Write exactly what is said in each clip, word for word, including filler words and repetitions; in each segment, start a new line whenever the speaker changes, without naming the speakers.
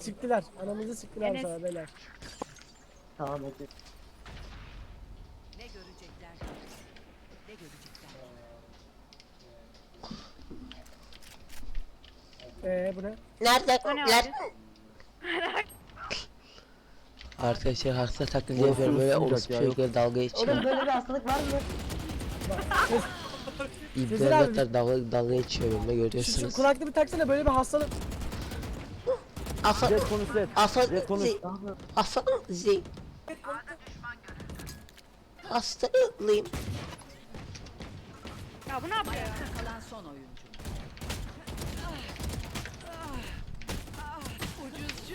Siktiler. Anamızı siktiler
Enes.
sana beyler.
Tamam bekle.
Ne görecekler? Ne görecekler?
Eee bu ne?
Nerede?
O ne
Nerede?
abi?
Arkadaşlar hasta taklidi yapıyorum böyle orospu çocukları dalga
Oğlum
geçiyor.
böyle bir hastalık var mı?
İbneler dalga, dalga geçiyor benimle
Şu, şu
görüyorsunuz.
kulaklığı bir taksana böyle bir hastalık.
Afa...
Jet konuş Jet.
Afa...
Jet konuş.
zi- Afa... zi... Hastalıyım.
Ya bu ne yapıyor ya?
Ayakta kalan son oyuncu. Ucuzcu.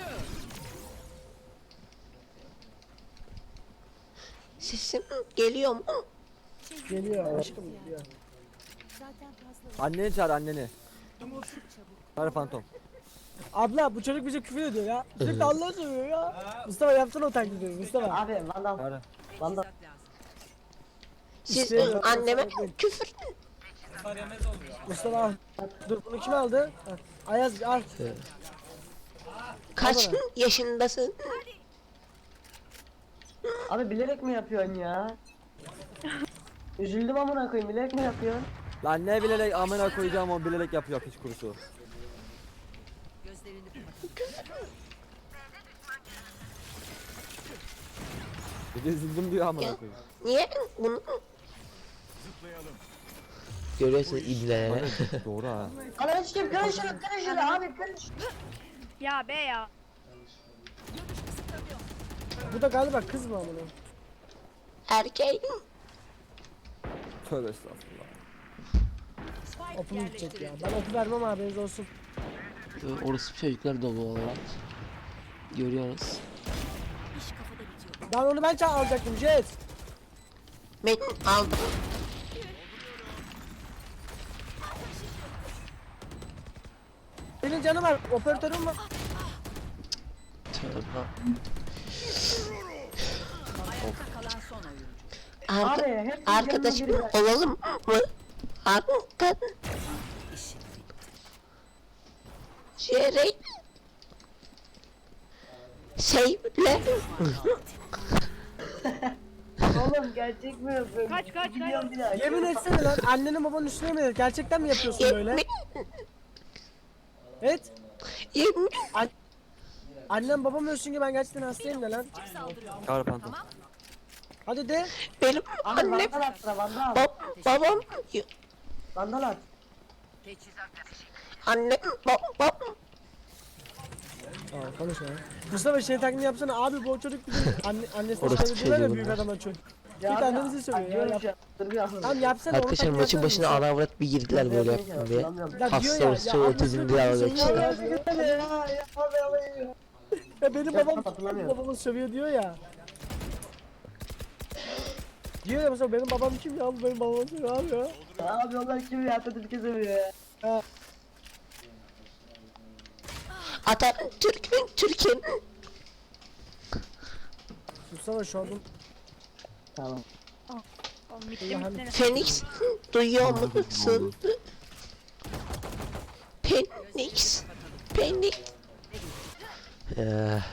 Sesim geliyor mu?
Geliyor aşkım geliyor.
Anneni çağır anneni. Çağır Phantom.
Abla bu çocuk bize küfür ediyor ya. Sürekli Allah'ı söylüyor ya. Mustafa yapsana o taklidi Mustafa.
Abi Vandal.
Çağır.
Vandal.
Teçhizat lazım.
Siz
İstemiyorum.
anneme küfür...
Mustafa al. Dur bunu kim aldı? Ha, Ayaz al.
Kaç
Bana.
yaşındasın?
Abi bilerek mi yapıyorsun ya? Üzüldüm amına koyayım, bilerek mi yapıyorsun?
Lan ne bilerek amına koyacağım o bilerek yapıyor piç kurusu.
Gözlerini kapatın.
Bir de üzüldüm diyor amına koyayım.
Niye bunu... Görüyorsunuz ibneleri.
Bana doğru ha.
Ana hiç kim kırın şunu, kırın şunu abi, kırın şunu.
Ya be ya.
Bu da galiba kız mı amına?
Erkeğin
Tövbe estağfurullah.
Spike
Opu gidecek ya.
yerleştirildi.
Ben opu vermem haberiniz olsun.
orospu çocukları dolu olarak. Görüyorsunuz.
Ben onu ben ça alacaktım Jet.
Ben aldım.
Senin canı var. Operatörün var.
Tövbe.
Ayakta kalan son oyuncu.
Arka,
Abi hep
arkadaşım
yanına biri var.
olalım mı? Arka... Şerey... Şeyle...
Oğlum gerçek mi yapıyorsun?
Kaç, kaç,
Biliyorum bir daha.
Yemin etsene lan annenin babanın üstüne mi? Gerçekten mi yapıyorsun böyle?
Yemin...
Evet.
Yemin...
Annem babam ölsün ki ben gerçekten hastayım da lan.
Çağır Phantom.
Hadi de.
Benim
Abi
annem...
vandal at sıra, vandal.
Bab babam...
Vandal at.
Teçhizat
Annem... Babam...
Aa konuşma ya. Mustafa şey taklidi yapsana abi bu çocuk bizim anne, annesi
Orası
söylediler ya
çocuğu
büyük
bunlar.
adama çocuk.
Ya
Bir
abi,
tanenizi söylüyor ya.
diyorum
Yap.
şu an, dur bir an.
Tamam yapsana onu
Arkadaşlar
taklidi
maçın
yapsana
başına
Mustafa.
ara avrat bir girdiler böyle yaptım diye.
Ya diyor
Hasta
ya,
olsun
ya
otizm
annesini
diye
babasını
dalga
söylüyor
geçiyor.
ya.
Ya, ya, ya, ya, ya.
Ya benim
Ya,
babam
hatırlamıyorum.
babamı sövüyor diyor ya. Diyor ya mesela benim babam kim ya? Bu benim babam kim abi ya?
Abi onlar kim ya? Atatürk'ü seviyor ya.
Atatürk mü? Türkiye'nin...
Mustafa şu an
Tamam.
Oğlum bitti mi seni?
Phoenix duyuyor musun? Phoenix Phoenix Eee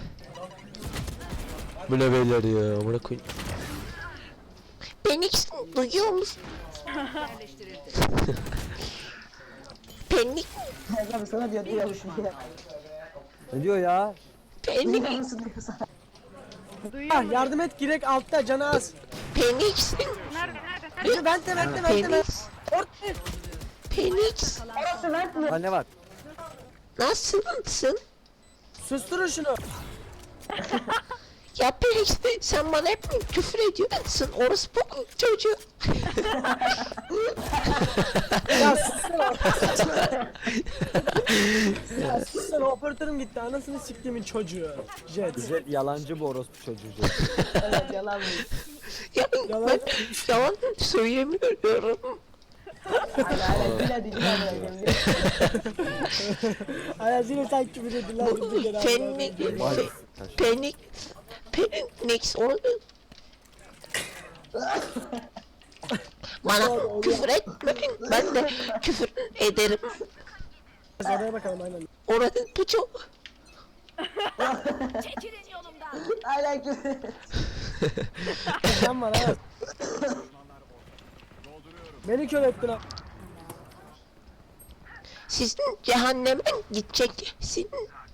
Bu ne beyler ya buna koyayım. Phoenix duyuyor musun?
yerleştirildi.
Phoenix
Abi sana diyor diyormuşum ya.
Ne diyor ya?
Phoenix
Duyuyor musun diyor sana.
Duyuyor
ah,
musun?
yardım et girek altta canı az.
Phoenix
Nerede nerede nerede?
Hadi ben de ben de ben de ben.
Phoenix
Orta.
Phoenix
Orası lan mı?
Anne var.
nasılsın?
Susturun şunu.
Ya Phoenix sen bana hep küfür ediyorsun orospu çocuğu.
Ya sussana. Ya sussana operatörüm gitti anasını siktiğimin çocuğu. Jet.
Jet yalancı bu orospu çocuğu Jet.
Evet yalan mı?
Ya
Yalan.
ben yalan söylemiyorum.
Hala hala dile dile dile.
Ayaz yine sen küfür edin lan.
Bu
bizi geri
Phoenix
aldılar.
Vay.
Phoenix Phoenix onu bana küfür etme ben de küfür ederim.
Oraya bakalım aynen.
Orada bu çok
Çekilin yolumdan.
Hala küfür.
Sen var ha. Beni kör ettin ha.
Sizin cehenneme gideceksin.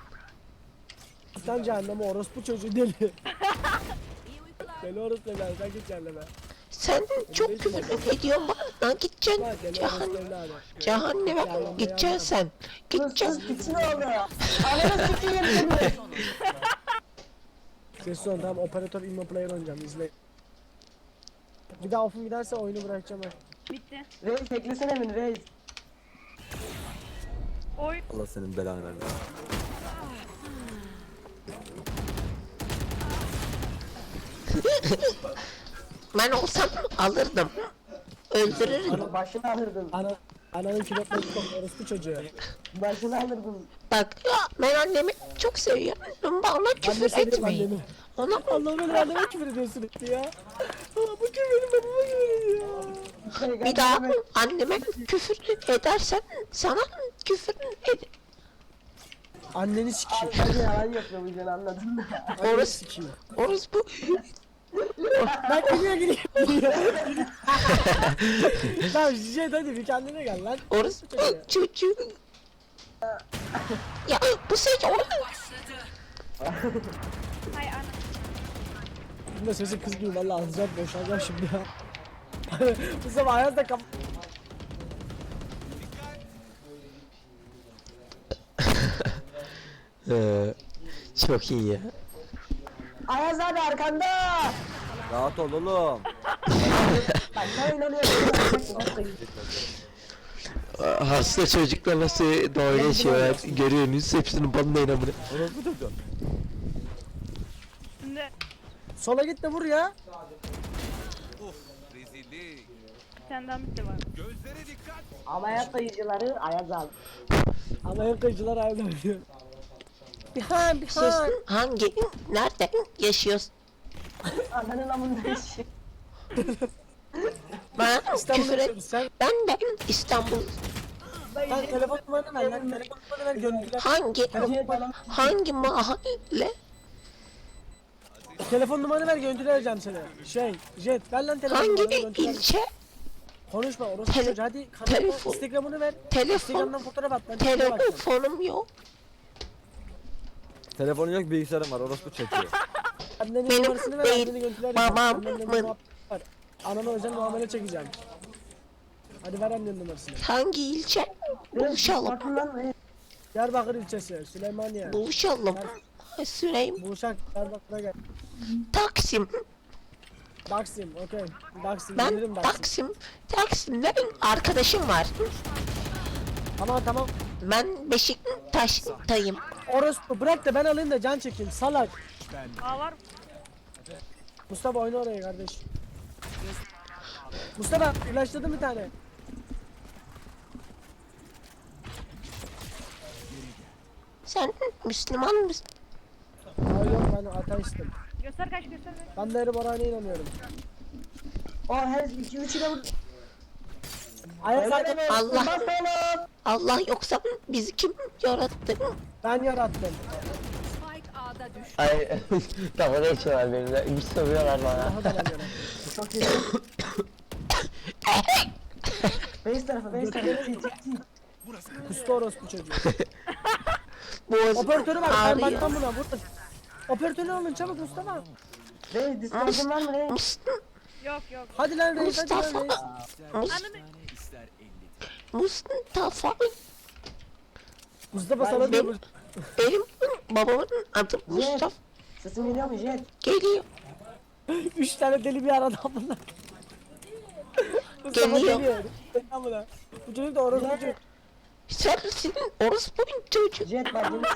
Sen cehenneme orospu çocuğu deli. Deli orospu evladı sen git cehenneme.
Sen çok küfür ediyorsun bana gideceksin
Lan deli
cehennem.
orospu evladı.
Cehenneme gideceksin sen.
Sus
Gideceksin.
sus piçin oldu. Ananı sikeyim seni.
Ses son tamam operatör immo player oynayacağım izle. Bir daha off'um giderse oyunu bırakacağım ben.
Bitti.
Reis teklesene beni reis.
Oy.
Allah senin belanı vermesin.
Ben olsam alırdım. Öldürürdüm.
Ana başını alırdın.
Ana, ananın kilotları çok orospu çocuğu.
Başını alırdın.
Bak ya ben annemi çok seviyorum. Bana
Ben de
küfür
seviyorum
etmeyin.
annemi.
Ona
Allah'ım öyle anneme küfür ediyorsun etti ya. Aa, bu kim benim babama küfür ediyor.
bir daha anneme küfür edersen sana küfür ed
Anneni sikeyim.
Abi ben yalan yapıyormuşsun anladın mı?
Anneni
Orası-
sikeyim.
Orası bu.
Ben gidiyor gidiyor. Tamam Jet hadi bir kendine gel lan.
Orası bu çocuğu. Ya bu sefer
Hay ana.
Bunda sesi kız gibi valla alacağım boşalacağım şimdi ya. Bu sabah ayazda kap...
çok iyi ya.
Ayaz abi arkanda.
Rahat ol oğlum.
Bak ben inanıyorum.
Hasta çocuklar nasıl dalga geçiyorlar görüyorsunuz hepsinin bana inanmıyor.
Orospu çocuğu.
Şimdi
Sola git de vur ya.
bir tane daha bitti var.
Ameliyat dayıcıları Ayaz abi.
Ama hep kayıcılar ayazda oynuyor. Behind
Siz
behind.
hangi nerede yaşıyorsun?
Ananın amında işi.
Ben
İstanbul'da
küfür et.
yaşıyoruz sen.
Ben de İstanbul.
Lan telefon numaranı ver lan. Telefon numaranı ver görüntüler.
Hangi
Jet bana.
hangi mahalle?
Telefon numaranı ver görüntüler vereceğim sana. Şey Jet ver lan telefon
Hangi
numaranı görüntüler.
ilçe?
Konuşma orospu
Tele-
çocuğu hadi kanalına
telefon.
Instagram'ını ver.
Telefon.
Instagram'dan fotoğraf at ben çekime bakacağım.
Telefonum yok.
Telefonun yok bilgisayarın var orospu çocuğu.
Annenin
Benim
numarasını ver
değil,
anneni görüntüler
babamın.
Annenle muhabbet var. Anana özel muamele çekeceğim. Hadi ver annenin numarasını.
Hangi ilçe? Buluşalım.
Bakın lan reis.
Diyarbakır ilçesi, Süleymaniye.
Buluşalım. Süreyim.
Buluşak, Diyarbakır'a gel.
Taksim.
Taksim, okey. Taksim,
Ben
gelirim Taksim.
Taksim. Taksim'de benim arkadaşım var.
Tamam tamam.
Ben Beşiktaş'tayım.
Orospu bırak da ben alayım da can çekeyim, salak.
Aa var.
Mustafa oyna oraya kardeş. Mustafa, ilaçladın bir tane.
Sen Müslüman mısın?
Hayır yok ben ateistim.
Göster kaç göster kaç.
Ben de Eri Boran'a inanıyorum.
O her iki üçü de vur.
Ayak
Öyle
zaten
deme.
Allah.
Bas oğlum.
Allah yoksa bizi kim yarattı?
ben yarattım.
Spike A'da düştü.
Ay dalga geçiyorlar benimle. Güç sövüyorlar bana.
Daha da ben yarattım.
Çok iyi. Base tarafı base tarafı.
Kustu orospu çocuğu.
Boğaz
Operatörü var, ben
ağrıyor.
bakmam buna, vurun. Operatörü alın çabuk Mustafa.
Reis discord'un var mı reis?
Mustafa.
Yok yok.
Hadi lan reis, hadi lan
Mustafa.
reis.
Ananı.
Mustafa.
Mustafa
Ben
sana diyor.
benim- Benim babamın adı Mustafa.
Sesim geliyor mu Jet?
Geliyor.
Üç tane deli bir arada bunlar. Mustafa
Geliyor.
geliyor. Amına. Bu çocuk da orospu çocuk.
Sensin orospu çocuğu.
Jet bak yine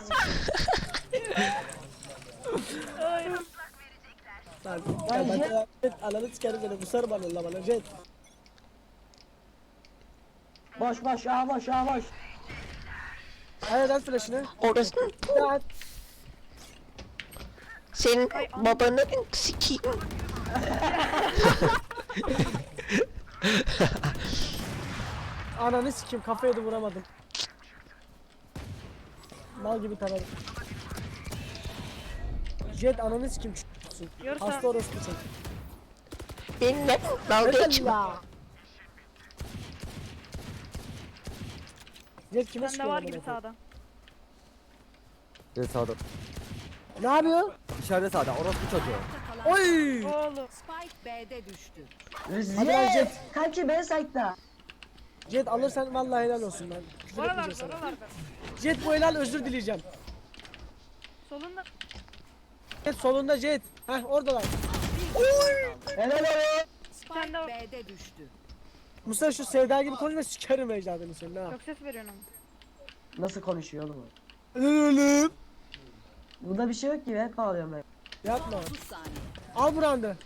Ay.
Lan
Lan
ben
Jet.
de jet ananı sikerim seni bu sarı bana la bana jet.
boş boş ya boş ya boş.
Hayır at flash'ını.
Orası
Ya at.
senin babanın sikiyim.
Ananı sikeyim kafaya da vuramadım. Mal gibi taradım. Jet ananı sikim ç***sun.
Yorsa-
Hasta orospu sen.
Benimle dalga
Neden
geçme.
ya? Jet kime
Bende
sıkıyor
var
amına
gibi
koyayım?
sağda.
Gel sağda.
Ne yapıyor?
İçeride sağda. Orası bu çocuğu.
Oy!
Oğlum.
Spike B'de düştü.
Hadi lan
Jet.
Jet.
Kanki B site'da.
Jet alırsan vallahi helal olsun lan. Küfür etmeyeceğim
Oralarda
sana.
oralarda.
Jet bu helal özür dileyeceğim.
Solunda.
Jet solunda Jet. Heh oradalar.
Helal olsun.
Spike
Sen de o-
B'de düştü.
Mustafa şu Sevda gibi konuşma sikerim ecdadını senin ha.
Çok ses veriyorsun ama.
Nasıl konuşuyor oğlum o?
Ölüm.
Bunda bir şey yok ki hep ağlıyorum ben.
Yapma.
otuz saniye.
Al burandı.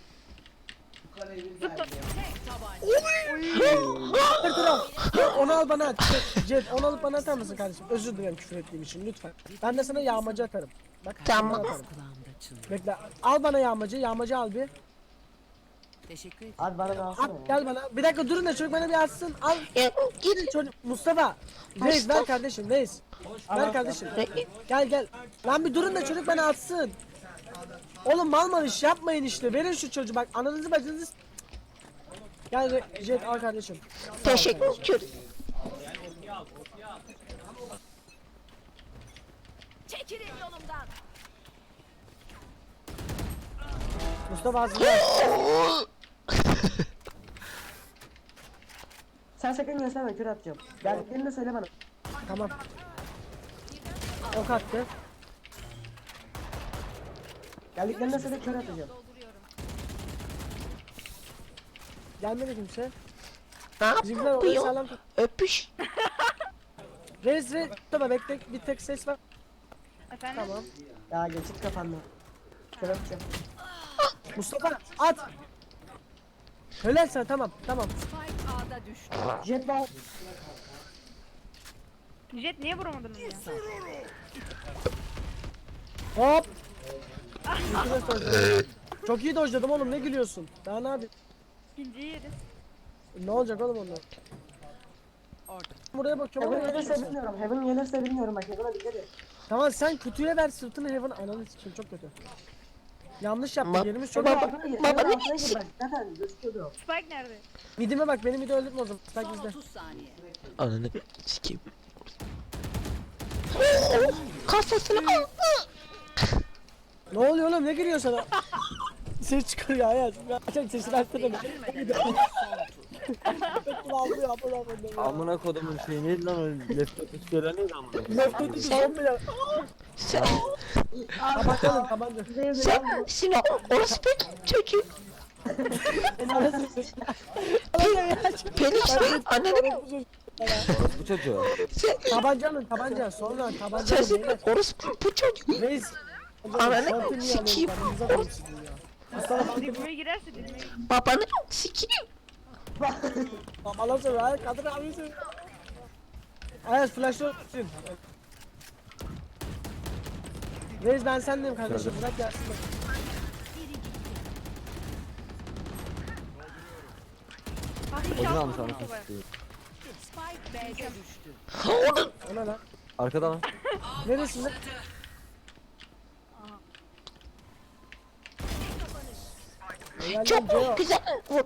Dur dur al. Onu al bana at. Jet onu alıp bana atar mısın kardeşim? Özür dilerim küfür ettiğim için lütfen. Ben de sana yağmacı atarım. Bak
Tamam.
ben atarım. Bekle. Al bana yağmacı. Yağmacı al bir.
Teşekkür ederim.
Abi bana da alsana
At
ya.
gel bana. Bir dakika durun da çocuk bana bir atsın. Al.
Ya,
Gidin çocuk. Mustafa. Reis ver kardeşim Reis. Ver kardeşim. Gel gel. Lan bir durun da çocuk bana atsın. Oğlum mal mal iş yapmayın işte. Verin şu çocuğu bak. Ananızı bacınızı. s- Gel Re- Jet al kardeşim.
Teşekkür ederim.
Çekilin yolumdan.
Mustafa hazırla.
Sen sakın gösterme kür atacağım. Geldiklerini de söyle bana.
Tamam. Ok attı.
Geldiklerini de söyle kür atacağım.
Gelmedi kimse.
Ne
Bizimkiler orayı
yapıyor?
sağlam tut.
Öpüş.
Reis Reis. Mustafa bekle bir tek ses var.
Efendim?
Tamam.
Ya geçit kapandı. Kür atacağım.
Mustafa at. Helal sana tamam tamam.
Spike A'da düştü.
Jet bal.
Jet niye vuramadın onu ya?
Hop. İkide sonra. Çok iyi dojladım oğlum ne gülüyorsun? Daha ne yapayım?
İkinciyi yedi.
Ne olacak oğlum ondan? Buraya bakıyorum.
Heaven
oraya
gelirse
bakıyorum.
bilmiyorum. Heaven gelirse bilmiyorum bak. Heaven'a dikkat et.
Tamam sen kutuya ver sırtını Heaven ananı sikeyim çok kötü. Yanlış yaptın
Ma-
yerimiz çok
Heaven
Baba-
altına gir.
baba
Heaven
ne
altına gir
diyorsun?
bak. Zaten gözüküyordu.
Spike nerede?
Midime bak beni midi öldürtme o zaman. Tak
Son
bizde.
otuz saniye.
Ananı sikeyim. Kafasını al.
Ne oluyor oğlum ne giriyor sana? Ses çıkarıyor hayat. Açak sesini açtı da. Ağlıyor apıl apıl.
Amına kodumun şey neydi lan o laptop istiyorlar neydi amına?
Laptopu son bile.
Sen,
Kapatalım tabanca.
sen, Sinan, orospu çocuğu. Penis mi? Ananı
Bu çocuğu.
sen,
Tabanca alın tabanca sonra tabanca alın
sensin
beyler.
orospu bu çocuğu.
Reis.
Ananı
Şortu niye
sikeyim.
alıyorsun? Paranızı alın sizin ya. Mustafa
Hadi buraya girerse dilime
Babanı sikeyim.
babalar sonra hayır kadın abisi. Ayaz flash'ı öpsün. Reis ben sendeyim kardeşim bırak gelsin.
Hafif
Oyunu
şans
almış
vurdum
anasını
babaya.
sikeyim.
Spike B'de düştü.
Onun
O ne lan?
Arkada lan.
Neresinde? Helal lan
çok
Ceo.
güzel vur.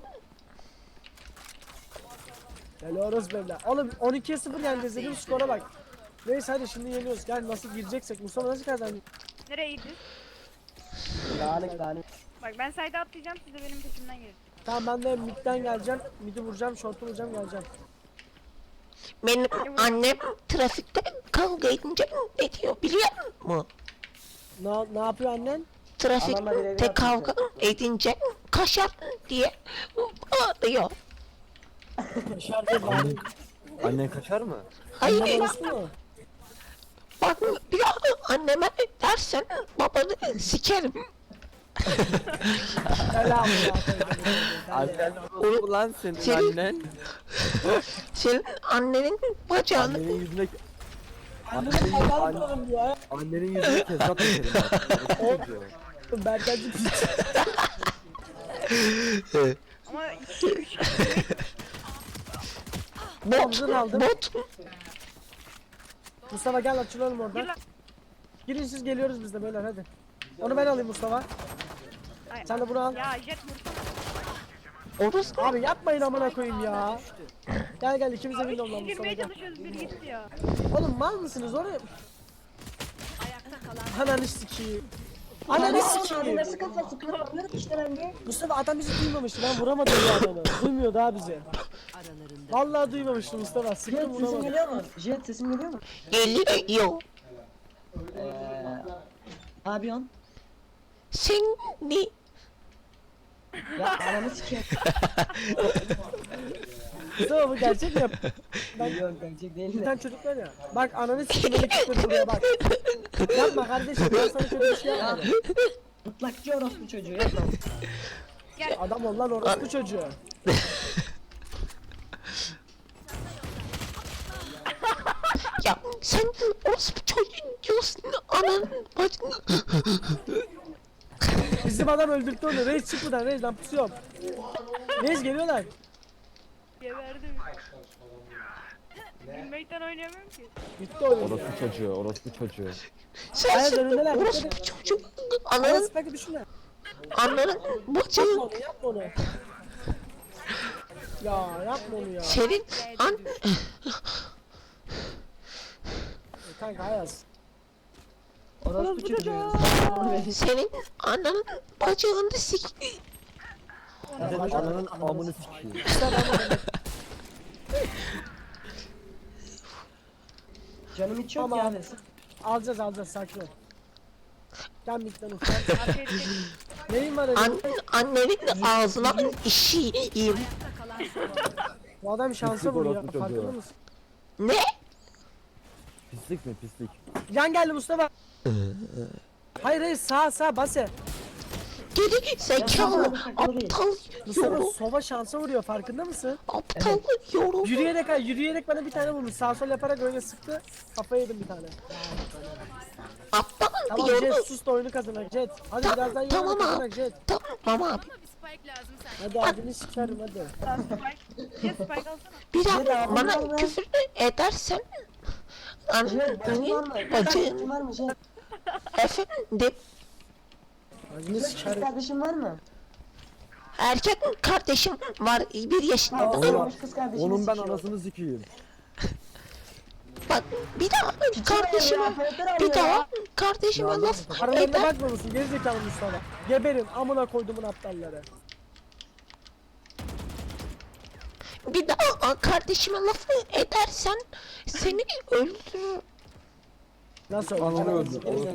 Helal orası beyler. Oğlum on ikiye sıfır yani izlediğim skora bak. Neyse hadi şimdi yeniyoruz. Gel nasıl gireceksek. Mustafa nasıl kazandı?
Nereye gidiyorsun?
Dağınık dağınık.
Bak ben sayda atlayacağım siz de benim peşimden gelin.
Tamam ben de midden geleceğim. Midi vuracağım, short'u vuracağım geleceğim.
Benim annem trafikte kavga edince ne diyor biliyor musun?
Ne, ne yapıyor annen?
Anamla
Trafikte
birebir
kavga edince kaşar diye ağlıyor.
Dışarıda bari.
Annen kaçar mı?
Hayır
Annen orospu mu?
bak bir daha anneme dersen babanı sikerim.
Helal ya.
Annen orospu lan senin
Senin-
annen.
Senin annenin bacağını
Annenin yüzüne...
Annene kazan tutalım diyor ya.
Annenin yüzüne kezap geçerim ben. Orospu çocuğu.
Berkancı piç.
Ama iki üç
bot
Omzunu aldım.
bot
Mustafa gel açılalım
gir
oradan.
lan.
Girin siz geliyoruz biz de beyler hadi. Onu ben alayım Mustafa.
Ay,
Sen de bunu al.
Ya jet vursana.
Orası
Abi yapmayın amına koyayım ya. Gel gel ikimiz de window lan Mustafa
Girmeye
gel.
çalışıyoruz biri gitti ya.
Oğlum mal mısınız oraya?
Ayakta kalan
Ananı sikeyim. Ananı sikeyim.
Nasıl kafa sıkıyor? İşte ben de.
Mustafa adam bizi duymamıştı. Ben vuramadım ya adamı. Duymuyor daha bizi.
aralarında.
Vallahi duymamıştı Mustafa. Sıktım
Jet sesim
vuramadım.
geliyor mu? Jet sesim geliyor mu?
geliyor.
Eee... Abi on.
Seni
Ya ananı sikeyim.
Mustafa bu gerçek mi yap?
Yok gerçek değil
Bir
de.
tane çocuk var ya. Bak ananı sikeyim öyle kitledi buraya bak. Yapma kardeşim ben sana kötü bir şey yapmadım.
Mutlakçı orospu çocuğu yapma.
Adam ol lan orospu çocuğu.
ya sen orospu çocuğun diyorsun ananın bacını.
Bizim adam öldürttü onu. Reis çık buradan Reis lan pusuyorum. Reis geliyorlar.
Geberdim. Gülmekten oynayamıyorum ki.
Bitti oyun.
Orospu çocuğu, orospu çocuğu.
Sen
Hayır,
sen
önündeler,
orospu
dikkat
çocuğun
Ananı
ananın
speki düşünme.
ananın bacını.
Yapma onu yapma onu. Ya yapma onu ya.
Senin an
Kanka Ayaz.
Orospu çocuğu.
senin ananın bacağını sik.
Senin ananın amını sikeyim.
Canım hiç yok
Tamam.
ya abi.
Alacağız alacağız sakin ol. Gel midden ufak.
Arkaya çek.
Neyin var
An,
elinde?
annenin ağzına işiyim.
Ayakta kalan son oyuncu.
Bu adam şansa
Pislik
vuruyor.
orospu
Farkında
çocuğu.
mısın?
Ne?
Pislik mi pislik?
Yan geldi Mustafa. Hayır hayır sağ sağ base.
Geri zekalı aptal
Mustafa
yorum.
sova şansa vuruyor farkında mısın?
Aptal yorum.
Yürüyerek ha yürüyerek bana bir tane vurmuş. Sağ sol yaparak öyle sıktı. Kafaya yedim bir tane.
Aptal
Tamam
yorum.
Jet sus da oyunu kazanak Jet. Hadi
Ta-
birazdan
tamam
oyunu
abi.
kazanak Jet.
Tamam abi.
Hadi adını sikerim hadi.
Sağ spike. Jet spike alsana.
Bir daha
Jet,
bana
Allah'ım.
küfür edersen
Jet bacın var
annenin
mı?
bacın
Bacın var mı Jet?
efendim
Adını
Kız
sikerim.
kardeşin var mı?
erkek kardeşim var bir yaşında.
Olmamış kız kardeşini
Onun ben
sikiyor.
anasını sikeyim.
Bak bir daha kardeşime bir daha kardeşime laf
Aralarına
eder.
bakma mısın gerizekalı Mustafa. Geberin amına koyduğumun aptalları.
Bir daha kardeşime laf edersen seni öldürür.
Nasıl
Ananı
öldü?
öldür.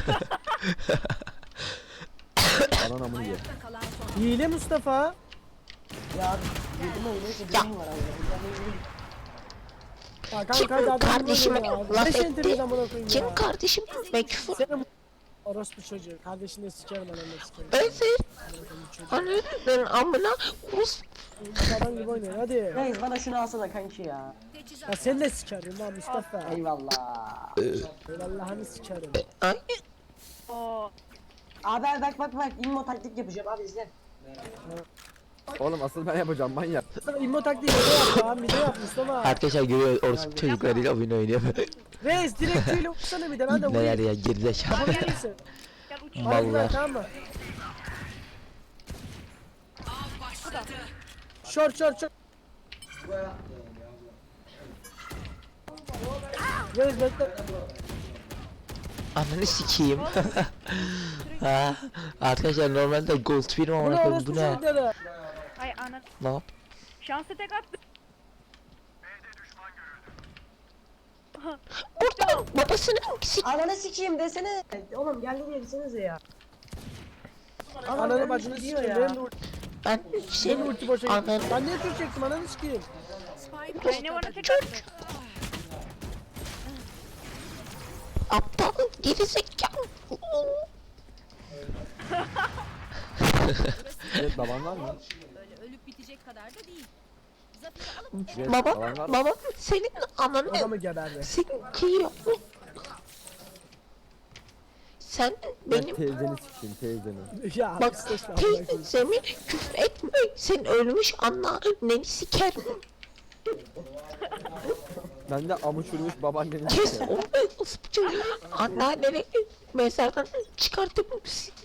Anan amını ye.
Ayakta kalan son
Hile Mustafa.
Ya abi yedim oyunu neyse
Ya.
benim var abi.
Ya
Kim
kanka hadi adam
kardeşime
ya.
laf
Beş enteriz
etti?
amına koyayım
Kim
ya.
kardeşim ve küfür
Senin orospu çocuğu. Kardeşini de sikerim ananı sikerim.
özür. Ananın amına kus.
Adam gibi oynuyor hadi.
Reis bana şunu alsana kanki ya.
Ya seni de sikerim lan Mustafa.
Eyvallah.
Eyvallahını sikerim.
Ay,
Oo.
Abi abi bak bak bak immo taktik yapacağım abi izle.
Oğlum asıl ben yapacağım manyak.
Mustafa immo taktiği mide yap lan mide yap Mustafa.
Arkadaşlar görüyor orospu çocuklarıyla oyun oynuyor.
Reis direkt tüyle vursana bir de ben de
Neler
vurayım.
ya gerizekalı.
Yapabilir misin?
Gel uç.
Hadi güzel
Vallahi.
tamam mı? Short short short. Reis bekle.
Ananı sikeyim. ha, arkadaşlar normalde gold film
Bu
ama
ne
bu
orospu
ne?
çocukları?
Ay ana.
Ne yap?
Şansı tek attı.
burada babasını sik.
Ananı sikeyim desene. Oğlum geldi diye desenize ya. Adam
Ananı
ölmüş
bacını
gidiyor
sikeyim.
ya.
Benim de ulti-
Ben
benim de
seni
ulti boşa gitti.
ananı
Ben niye tür çektim ananı sikeyim.
Spike
Ay ne bana tek attı.
aptal gerizekalı.
Evet baban var mı?
öyle ölüp bitecek kadar da değil. Zaferi alıp
Evet,
Baba
baban var mı?
baba senin ananı
Adamı geberdi.
sikiyor. Sen
Ben
benim
teyzeni sikeyim teyzeni.
Ya
bak
istisna.
teyzemi küfür etme. Sen ölmüş anneni sikerim.
Ben de amı çürümüş babaannenin
Kes
işte.
onu nasıl bu çocuğu? Anneanneni mezardan çıkartıp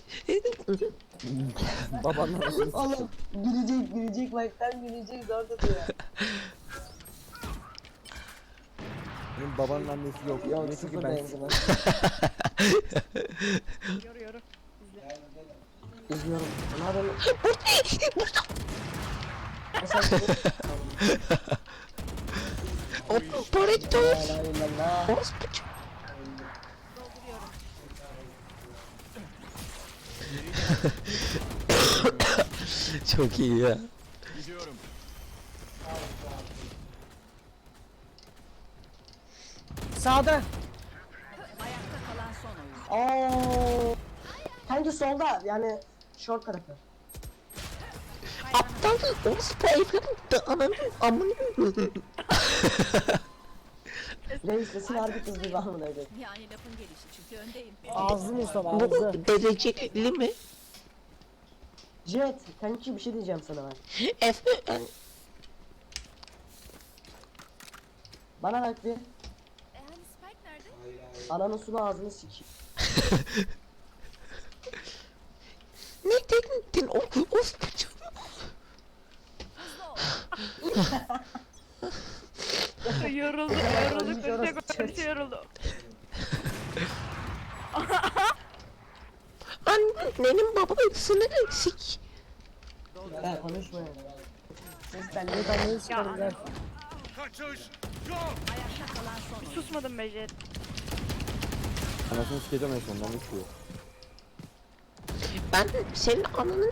Babanla nasıl
Oğlum gülecek gülecek bak tam gülecek zor tutuyor.
Benim babanın annesi yok.
Yok
Neyse ki
sıfır
ben
benzin.
Yoru yoru. İzle.
İzliyorum. Ne yapıyorsun? Mesela
Operatör.
la ilahe illallah.
Orospu çocuğu.
Çok iyi ya.
Sağda.
Ayakta kalan son oyun.
Oo. Bence solda yani short tarafı.
Aptal orospu evladım da ananın amını.
Reis sesin harbi kızdı ben bunu öyle.
Yani lafın gelişi çünkü öndeyim.
Ağzı Mustafa
Bu
ağzı.
dereceli mi?
Jet kanki bir şey diyeceğim sana ben.
Efe ben
Bana bak bir.
E hani Spike nerede?
Ananın sulu ağzını sikeyim.
ne dedin o orospu çocuğu?
Yoruldu yoruldu.
Yorulmuş
Koşa
orası
koşa yoruldu.
Annenin babasını sik.
Ha konuşma ya. Ses ben
Evet
ne
anneyi sikerim gel.
Ayakta kalan son oyun.
Susmadım be Jet.
anasını sikeceğim en sonunda ne istiyor?
Ben senin ananın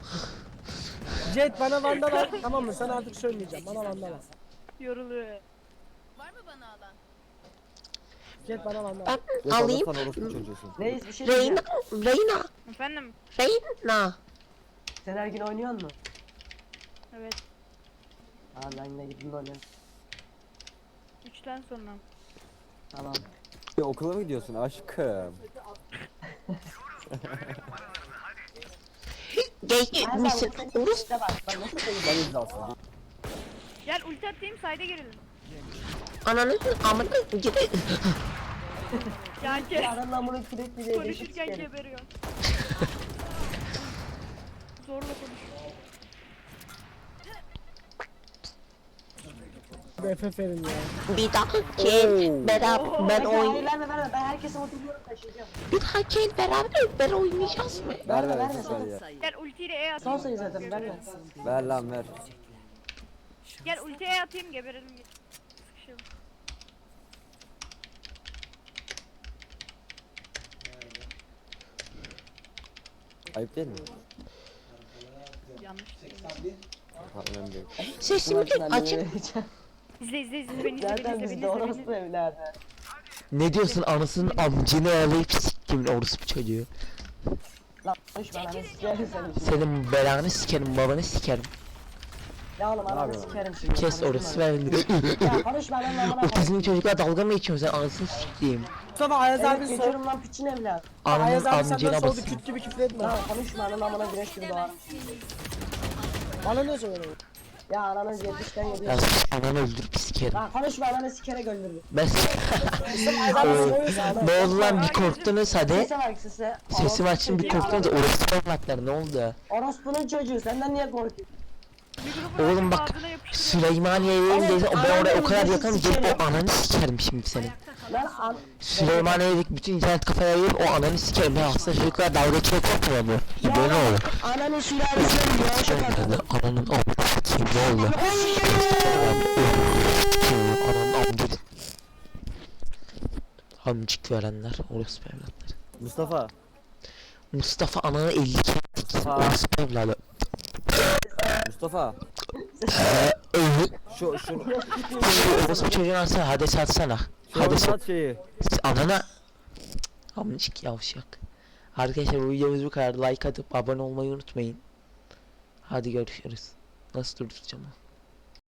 Jet bana vandal al. Tamam mı? Sana artık söylemeyeceğim. Bana vandal al.
Yoruluyor.
Var mı bana alan?
Jet bana vandal al.
ben
Yok
alayım.
alırsan orospu çocuğusun.
Reis bir şey
Reyna,
diyeceğim.
Reyna,
Efendim?
Reyna.
Sen her gün oynuyor musun?
Evet.
Aa ben yine gidin oynuyorum.
Üçten sonra.
Tamam.
Ya, okula mı gidiyorsun aşkım?
Gay
Her
misin?
zaman
Orospu.
işte bak. Bak nasıl
Ben
sayacağım.
izlasın.
Gel ulti atayım sayda girelim.
Ananın amına gibi.
Yani ge-
Aranın amına kürek bir de
konuşurken geberiyor. Zorla konuş.
F F verin ya.
Bir dahaki beraber ben oyun.
Hayır verme verme ben herkese motivliyorum taşıyacağım.
Bir dahaki beraber beraber oynayacağız mı?
Ver
Verme,
ver
verme,
ver ver ya.
Sayı.
Gel ultiyle E
Son
atayım.
sayı zaten verme.
Ver lan ver.
Gel ultiye E atayım geberelim. Sıkışalım.
Ayıp değil mi?
Yanlış değil.
Pardon önemli değil.
Sesimi açık.
İzle izle izle beni izle beni
Zaten
izle beni
bizde
izle beni
orospu
izle.
evladı.
Ne diyorsun anasının amcını alayıp siktimin orospu çocuğu.
Lan konuşma lan sikerim seni şimdi.
Senin belanı sikerim babanı sikerim.
Ya oğlum ananı
yapıyorsun?
sikerim şimdi.
Kes
konuşma
orası
lan.
ben.
Ya konuşma lan amına koyayım.
Otizmli çocuklar dalga mı geçiyorsun sen anasını siktiğim.
Mustafa Ayaz
Evet
abi sor.
geçiyorum lan piçin evladı.
Ananın
Ayaz abi
amcına
senden sordu
basın.
küt gibi küfür etme.
Lan konuşma lan amına güneş gibi doğarım.
Bana ne söylüyorsun?
Ya ananı yetmişten
Ya
yediyor.
sus ananı öldürüp sikerim.
Lan konuşma ananı sikerek öldürdü.
Ben
Ayaz abi soruyorsun.
ne oldu lan bir korktunuz hadi.
Sese bak sese.
Sesimi açtım bir korktunuz orospu evlatlar ne oldu?
Orospunun çocuğu senden niye korkuyor?
Mikrofonu
Oğlum bak
ağzına yapıştırıyor.
Süleymaniye'ye o ben oraya o kadar
Ananı
yakınım
sikerim.
gelip o ananı sikerim şimdi seni.
Ayakta kalan
Lan an...
Süleymaniye'deki bütün internet kafaya ayırıp o ananı sikerim. Ben aslında çocuklar dalga geçiyor korkmuyor mu? İyi böyle oldu.
Ananın sülalesine gidiyor. Şaka.
Ananın amına sikeyim ne oldu? Ananın amcı. Amcık verenler orospu evlatları.
Mustafa.
Mustafa ananı elli kere dik.
Ha.
Orospu evladı.
Mustafa. Şu şu
Şu orospu çocuğunu alsana hadi satsana.
şu
Hadi sat.
anlat şeyi.
Anana. Amcık yavşak. Arkadaşlar bu videomuz bu kadar. Like atıp abone olmayı unutmayın. Hadi görüşürüz. Nasıl durduracağım?